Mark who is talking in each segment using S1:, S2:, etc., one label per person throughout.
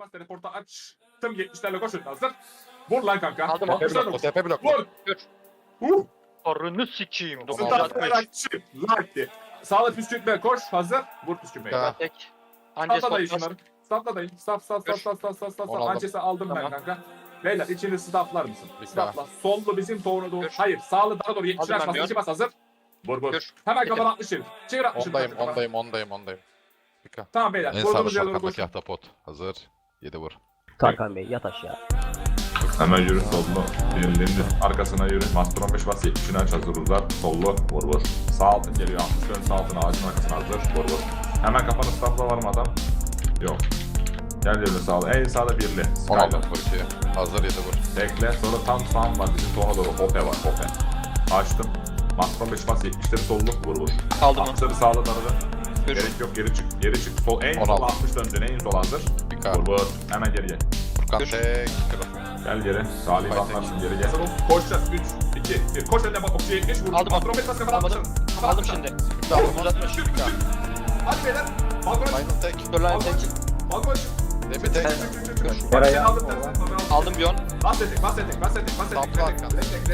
S1: bas teleporta aç. Tüm 70'lerle koşun hazır. Vur lan kanka.
S2: Aldım,
S3: TP
S1: 60'lar
S3: blok,
S1: vur.
S3: TP blok.
S1: Vur.
S2: Dur. Arını sikeyim.
S3: Tamam,
S1: Startlar
S2: 960.
S1: açık. Like. Sağla püskürtme koş hazır. Vur püskürmeyi.
S3: Ya.
S2: Tek. Anca
S1: Statla dayı
S2: stop
S1: şunları. Statla dayı. Stop.
S3: Onu aldım.
S1: Ancesi aldım ben
S2: Tamam.
S1: kanka. Beyler içini stoplar mısın?
S3: Bir
S1: Stopla. Sollu bizim doğru doğru.
S2: Gör.
S1: Hayır sağlı daha doğru 70'ler
S2: Aldım ben
S1: bas.
S2: bir
S1: 2 bas hazır. Vur.
S2: Gör.
S1: Hemen
S2: Yedim.
S1: kafana 60 çevir. Çevir 60
S3: Ondayım. Pika.
S1: Tamam beyler.
S3: En sağda
S1: Vurduğunuz yerlere
S3: arkandaki
S1: koşun.
S3: ahtapot. Hazır. 7 vur.
S4: Tarkan Bey yat aşağı.
S1: Hemen yürü sollu. Birliğinin arkasına yürü. Master 15 bas 70'ini aç hazır uzat. Sollu. Vur. Sağ altın geliyor. 60 dön sağ altına ağacın arkasına hazır. Vur. Hemen kafanı stopla var mı adam? Yok. Gel yürü sağ. En sağda birli.
S3: 16
S1: Skyler.
S3: vur 2. Hazır 7 vur.
S1: Bekle. Sonra tam sağım var. Bizim sona doğru. Hope var. Hope. Açtım. Master 15 bas 70'leri sollu. Vur.
S2: Aldım onu.
S1: 60'ları sağla taradı.
S2: Gör.
S1: Gerek yok geri çık. Geri çık. Sol. En sol
S3: 16.
S1: 60 döndün. En sol hazır.
S3: Pika.
S1: Vur. Hemen geriye.
S3: Furkan
S2: Gör.
S3: tek.
S1: Gel geri. Salih
S3: Fight
S1: bakmarsın geri. Gel. Koşacağız. 3, 2, 1. Koş önüne bak. Okçuya 70 vur.
S2: Aldım.
S1: Matromet bas kafadan
S2: Aldım.
S1: atmışsın.
S2: Aldım şimdi.
S3: Aldım.
S2: 960.
S3: Pika.
S1: Hadi beyler. Balkona çık.
S3: Final tek.
S2: Dur lan
S1: Balkona
S2: tek.
S1: çık. Balkona çık.
S3: Demi tek.
S1: Çık. Bak seni aldım.
S2: Aldım bir on.
S1: Bas etek.
S3: Sapla arkanda.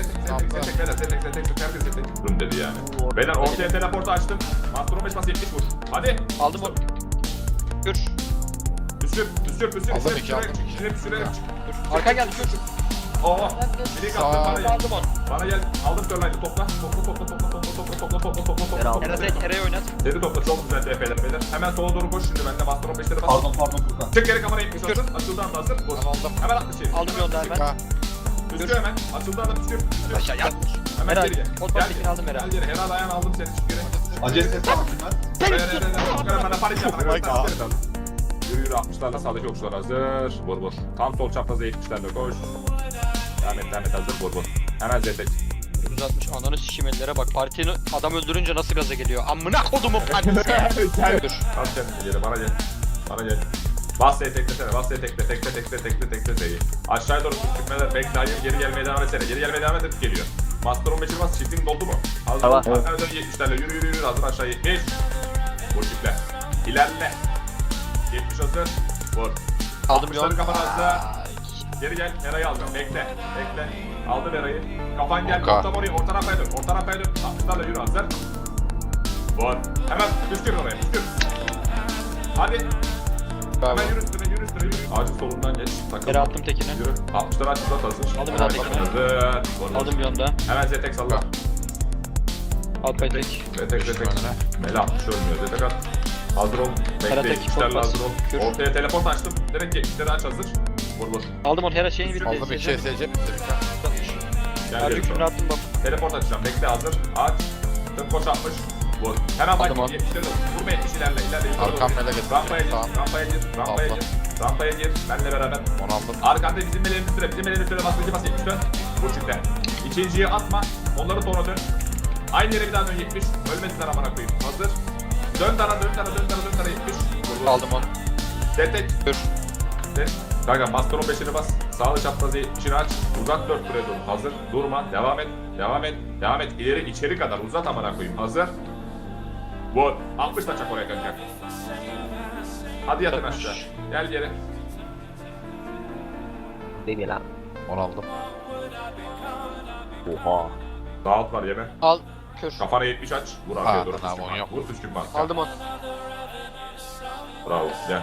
S1: Run dedi yani. Beyler ortaya teleportu açtım. Master 15 bas 70 vur. Hadi.
S2: Aldım onu. Gör.
S1: Püskür.
S3: Aldım iki, aldım iki.
S1: Püskürerek çık.
S2: Dur. Arka geldi. Gör.
S1: Oo. Bilik attım
S3: Sağ.
S1: bana gel.
S2: Aldım onu.
S1: Bana gel. Aldım Sörline'ı topla. Topla.
S2: Eray'ı oynat.
S1: Seri topla çok güzel DP'ler beyler. Hemen sola doğru koş şimdi bende Master 15'leri bas.
S5: Pardon Furkan.
S1: Çık geri kamera 70 hazır. Açıldı anda hazır. Vur.
S3: Ben aldım.
S1: Hemen atla çevir.
S2: Aldım yolda hemen.
S3: Pika.
S1: Püskür hemen. Açıldı anda püskür.
S2: Aşağı yat.
S1: Hemen
S2: Eray,
S1: geriye.
S2: pot bastekini aldım Eray.
S1: Gel geri. Herhalde ayağını aldım seni çık geri.
S5: Acele et lan.
S1: Bana panik yapma.
S3: Oh my God.
S1: Yürü 60'larla sağdaki okçular hazır. Vur. Tam sol çapraza 70'lerle koş. Devam et hazır. Vur. Hemen zetek.
S2: 960 ananı sikeyim ellere bak. Partinin adam öldürünce nasıl gaza geliyor. Amına kodumun partisi.
S1: Gel.
S2: Dur.
S1: Bas kendini geri bana gel. Bas seni teklesene. Tekle seni. Aşağıya doğru çıkmalar. Bekle hayır geri gelmeye devam etsene. Geri gelmeye devam et geliyor. Master 15'i bas. Çiftin doldu mu? Hazır.
S4: Tamam.
S1: Arkana dön 70'lerle yürü. Hazır aşağı 70. Vur çiftle. İlerle. 70 hazır. Vur.
S2: Aldım bir on.
S1: 60'ları kafana hazır. Geri gel. Eray'ı alacağım. Bekle. Aldım Eray'ı. Kafan gel.
S3: Oka.
S1: Orta oraya. Orta rampaya dön. 60'larla yürü hazır. Vur. Hemen püskür oraya. Püskür. Hadi.
S3: Bravo.
S1: Hemen yürü üstüne. Ağacın solundan geç. Takılma.
S2: Yere attım tekini.
S1: Yürü. 60'ları aç uzat hazır.
S2: Aldım
S1: Hemen
S2: bir daha tekini.
S1: hazır. Vur.
S2: Aldım bir onda.
S1: Hemen zetek salla.
S2: Alpay tek.
S1: Zetek. Mela 60 ölmüyor. Zetek at. Hazır ol. Bekle.
S2: Karatek,
S1: 70'lerle
S2: çok bas.
S1: hazır ol.
S2: Kür.
S1: Ortaya teleport açtım. Direkt 70'leri aç hazır. Vur.
S2: Aldım onu. Her şeyini bitti.
S3: Aldım 2 SC bitti. Pika.
S1: Gel
S2: Harcı
S1: geri.
S2: kürünü attım bak.
S1: Teleport açacağım. Bekle hazır. Aç. Tüm koş 60. Vur. Hemen bak
S2: Aldım onu.
S1: 70'leri de vur. Vurma 70 ilerle.
S3: Arkam mele getirdim.
S1: Rampaya gir.
S3: Tamam. Aldım.
S1: Rampaya gir. Benle beraber.
S3: Onu aldım.
S1: Arkanda bizim meleğimiz süre. Bizim meleğimiz süre bas. Bas 70 dön. Vur çifte. İkinciyi atma. Onları sonra dön. Aynı yere bir daha dön 70. Ölmesinler amına koyayım. Hazır. Dön tara 70. Vur.
S2: Aldım onu.
S1: Tek.
S2: Dur.
S1: Kanka Master 15'ini bas. Sağlı çaprazı 70'ini aç. Uzat 4 buraya doğru. Hazır. Durma. Devam et. İleri içeri kadar uzat amına koyayım. Hazır. Vur. 60 da çak oraya kanka. Hadi yatın aşağı. Gel geri.
S4: Değil lan.
S3: Onu aldım.
S4: Oha.
S1: Sağ alt var yeme.
S2: Al. Kür.
S1: Kafana 70 aç. Vur arkaya
S3: Aa,
S1: doğru.
S3: tamam,
S1: püskürtme.
S3: yok.
S1: Vur püskürtme.
S2: Aldım onu.
S1: Bravo. Gel.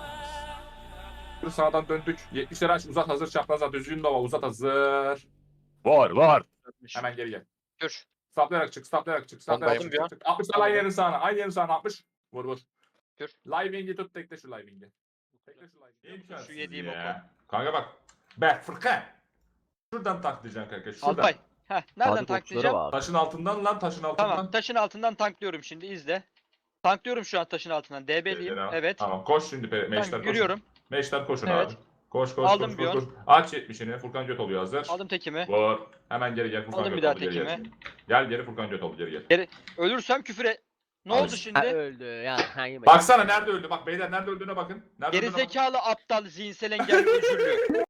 S1: Sağdan döndük. 70'leri aç. Uzat hazır. Çapraza düzgün dova. Uzat hazır. Var. Hemen geri gel.
S2: Kür.
S1: Saplayarak çık.
S3: Ondayım.
S1: 60'lar aynı yerin sağına. Aynı yerin sağına 60. Vur.
S2: Kür.
S1: Living'i tut. Tekle şu Living'i.
S2: Şu yediğim
S1: ya. Kanka bak. Bak Furkan. Şuradan taklayacaksın kanka. Şuradan.
S2: Alpay. Heh. Nereden
S4: Sadık okçuları
S2: tanklayacağım?
S4: var.
S1: Taşın altından lan. Taşın altından.
S2: Tamam. Taşın altından tanklıyorum şimdi. İzle. Tanklıyorum şu an taşın altından. DB'liyim.
S1: Tamam.
S2: Evet.
S1: Tamam koş şimdi meşler koş.
S2: Yürüyorum.
S1: Meşler koşun
S2: Evet.
S1: abi. Koş.
S2: Aldım bir on.
S1: Aç 70'ini. Furkan göt oluyor hazır.
S2: Aldım tekimi.
S1: Vur. Hemen geri Furkan
S2: Aldım
S1: göt
S2: bir daha
S1: oldu, geri
S2: tekimi.
S1: Gel geri Furkan göt oldu geri gel.
S2: Ölürsem küfüre. Ne
S1: Al
S2: oldu
S1: işte.
S2: şimdi?
S4: Öldü ya. Hangi
S1: Baksana nerede öldü bak beyler nerede öldüğüne bakın. Nerede öldüğüne bakın.
S2: Gerizekalı aptal zihinsel engelli özürlü.